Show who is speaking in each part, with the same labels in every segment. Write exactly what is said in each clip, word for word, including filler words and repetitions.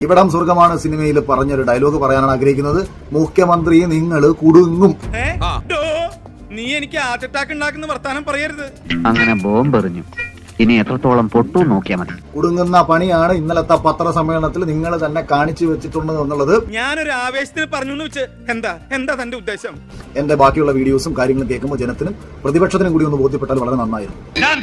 Speaker 1: ഇവിടം സ്വർഗമാണ് സിനിമയിൽ പറഞ്ഞൊരു ഡയലോഗ് പറയാനാണ് ആഗ്രഹിക്കുന്നത്. മുഖ്യമന്ത്രി നിങ്ങൾ കുടുങ്ങും.
Speaker 2: നീ എനിക്ക് ഹാർട്ട് അറ്റാക്ക് ഉണ്ടാക്കുന്ന വർത്താനം പറയരുത്.
Speaker 3: അങ്ങനെ ബോംബെറിഞ്ഞു. ഇനി എത്രത്തോളം പൊട്ടു നോക്കിയാൽ മതി.
Speaker 1: കുടുങ്ങുന്ന പണിയാണ് ഇന്നലത്തെ പത്രസമ്മേളനത്തിൽ നിങ്ങൾ തന്നെ കാണിച്ചു വെച്ചിട്ടുണ്ട് എന്നുള്ളത്
Speaker 2: ഞാനൊരു ആവേശത്തിന് പറഞ്ഞു വെച്ച് എന്താ എന്താ തന്റെ ഉദ്ദേശം?
Speaker 1: എന്റെ ബാക്കിയുള്ള വീഡിയോസും കാര്യങ്ങളും കേൾക്കുമ്പോൾ ജനത്തിനും പ്രതിപക്ഷത്തിനും കൂടി ഒന്ന് ബോധ്യപ്പെട്ടാൽ വളരെ നന്നായിരുന്നു.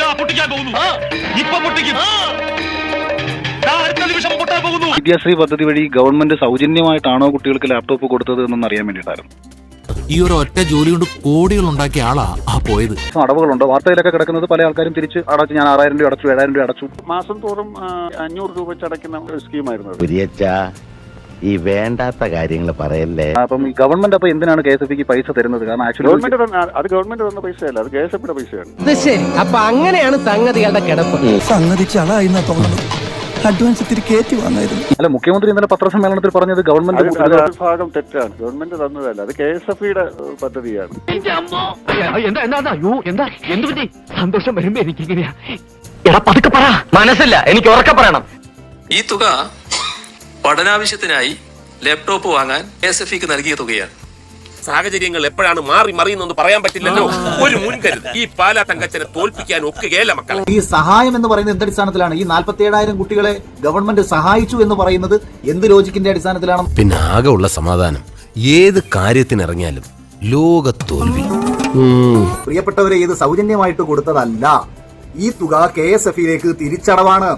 Speaker 4: വിദ്യാശ്രീ പദ്ധതി വഴി ഗവൺമെന്റ് സൗജന്യമായിട്ടാണോ കുട്ടികൾക്ക് ലാപ്ടോപ്പ് കൊടുത്തത് എന്നൊന്ന് അറിയാൻ വേണ്ടിയിട്ടായിരുന്നു.
Speaker 5: ഈ ഒരു ഒറ്റ ജോലി കൊണ്ട് കോടികൾ ഉണ്ടാക്കിയ ആളാ ആ പോയത്.
Speaker 4: അടവുകളുണ്ട്, വാർത്തയിലൊക്കെ കിടക്കുന്നത് പല ആൾക്കാരും തിരിച്ച് അടച്ചു. ഞാൻ ആറായിരം രൂപ അടച്ചു, ഏഴായിരം രൂപ അടച്ചു. മാസം തോറും അഞ്ഞൂറ് രൂപ വെച്ച് അടയ്ക്കുന്ന ഒരു സ്കീമായിരുന്നു.
Speaker 6: ഈ വേണ്ടാത്ത കാര്യങ്ങൾ പറയല്ലേ.
Speaker 4: അപ്പം ഈ ഗവൺമെന്റ് അപ്പൊ എന്തിനാണ് കെ എസ് എഫ് പിക്ക് പൈസ തരുന്നത്? കാരണം ആക്ച്വലി ഗവൺമെന്റ് അത് ഗവൺമെന്റ് തന്ന പൈസയല്ല, അത് കെ എസ് എഫ് പിയുടെ പൈസയാണ്.
Speaker 7: ശരി, അപ്പൊ അങ്ങനെയാണ് സംഗതികളുടെ കിടപ്പ്.
Speaker 8: സംഗതി ചളായി തോന്നുന്നു. അഡ്വാൻസ് ഇത്തിരി കയറ്റി വന്നായിരുന്നു.
Speaker 4: അല്ല, മുഖ്യമന്ത്രി ഇന്നലെ പത്രസമ്മേളനത്തിൽ പറഞ്ഞത് ഗവൺമെന്റ് ഭാഗം തെറ്റാണ്. ഗവൺമെന്റ് തന്നതല്ല, അത് കെ എസ് എഫ് പിയുടെ പദ്ധതിയാണ്.
Speaker 7: സന്തോഷം വരുമ്പോ എനിക്ക് എങ്ങനെയാ എടാ പതുക്കെ പറ, മനസ്സില്ല, എനിക്ക് ഉറക്കെ പറയണം.
Speaker 9: ഈ തുക പഠനാവശ്യത്തിനായി ലാപ്ടോപ്പ് വാങ്ങാൻ കെ എസ് എഫ് ഇക്ക് നൽകിയ തുകയാണ്.
Speaker 10: സാഹചര്യങ്ങൾ എപ്പോഴാണ് മാറി മറിയുന്നെന്ന് പറയാൻ പറ്റില്ലല്ലോ. ഒരു മുൻകരുതൽ ഈ പാലാ തങ്കച്ചനെ തോൽപ്പിക്കാൻ ഒക്കുകയല്ല മക്കളെ.
Speaker 1: ഈ സഹായം എന്ന് പറയുന്നത് എന്തടിസ്ഥാനത്തിലാണ്? ഈ നാൽപ്പത്തി ഏഴായിരം കുട്ടികളെ ഗവൺമെന്റ് സഹായിച്ചു എന്ന് പറയുന്നത് എന്ത് ലോജിക്കിന്റെ അടിസ്ഥാനത്തിലാണ്?
Speaker 5: പിന്നെ ആകെ ഉള്ള സമാധാനം ഏത് കാര്യത്തിനിറങ്ങിയാലും ലോക തോൽവി.
Speaker 1: പ്രിയപ്പെട്ടവരെ, ഇത് സൗജന്യമായിട്ട് കൊടുത്തതല്ല. ഈ തുക കെ എസ് എഫിലേക്ക് തിരിച്ചടവാണ്.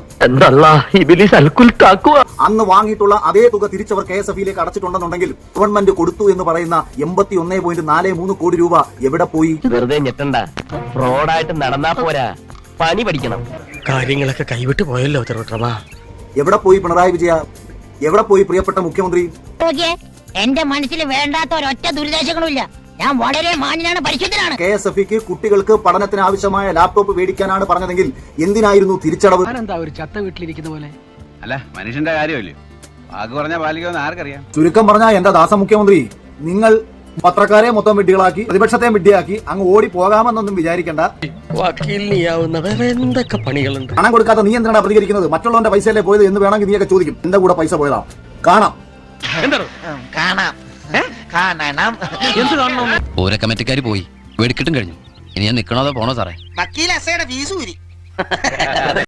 Speaker 1: അന്ന് വാങ്ങിയിട്ടുള്ള അതേ തുക തിരിച്ചവർ കെ എസ് എഫിലേക്ക് അടച്ചിട്ടുണ്ടെന്നുണ്ടെങ്കിൽ ഗവൺമെന്റ് കൊടുത്തു എന്ന് പറയുന്ന എൺപത്തി ഒന്നേ പോയിന്റ് നാല് മൂന്ന് കോടി രൂപ എവിടെ പോയി?
Speaker 7: വെറുതെ ഞെട്ടണ്ട, ഫ്രോഡായിട്ട് നടന്നാ പോരാ, പണി പഠിക്കണം. കാര്യങ്ങളൊക്കെ കൈവിട്ട് പോയല്ലോ.
Speaker 1: എവിടെ പോയി പിണറായി വിജയ? എവിടെ പോയി പ്രിയപ്പെട്ട മുഖ്യമന്ത്രി?
Speaker 11: എന്റെ മനസ്സിൽ വേണ്ടാത്ത ഒരൊറ്റ ദുരിതാശങ്ങളുമില്ല. ഞാൻ വളരെ മാന്യനാണ്, പരിശുദ്ധനാണ്.
Speaker 1: കെ എസ് എഫ് ഇക്ക് കുട്ടികൾക്ക് പഠനത്തിന് ആവശ്യമായ ലാപ്ടോപ്പ് മേടിക്കാനാണ് പറഞ്ഞതെങ്കിൽ എന്തിനായിരുന്നു തിരിച്ചടവ്?
Speaker 7: എന്താ ഒരു ചത്ത വീട്ടിലിരിക്കുന്ന പോലെ?
Speaker 3: അല്ല, മനുഷ്യന്റെ കാര്യമല്ലേ, വാക്ക് പറഞ്ഞ പാലിക്കുമെന്ന് ആർക്കറിയാം.
Speaker 1: ചുരുക്കം പറഞ്ഞാൽ എന്താ ദാസ മുഖ്യമന്ത്രി, നിങ്ങൾ പത്രക്കാരെ മൊത്തം വിഡ്ഢികളാക്കി പ്രതിപക്ഷത്തെ വിഡ്ഢിയാക്കി അങ്ങ് ഓടി പോകാമെന്നൊന്നും വിചാരിക്കണ്ട.
Speaker 7: എന്തൊക്കെ പണികളുണ്ട്.
Speaker 1: പണം കൊടുക്കാത്ത നീ എന്തിനാണ് പ്രതികരിക്കുന്നത്? മറ്റുള്ളവന്റെ പൈസയല്ലേ പോയത് എന്ന് വേണമെങ്കിൽ നീയൊക്കെ ചോദിക്കും. എന്റെ കൂടെ പൈസ പോയതാ. കാണാം
Speaker 11: കാണാം കാണണം.
Speaker 10: ഓരോ കമ്മിറ്റിക്കാര് പോയി വെടിക്കിട്ടും കഴിഞ്ഞു. ഇനി ഞാൻ നിക്കണോ പോണോ സാറേ?
Speaker 11: വക്കീൽ അസയുടെ ഫീസ് ഊരി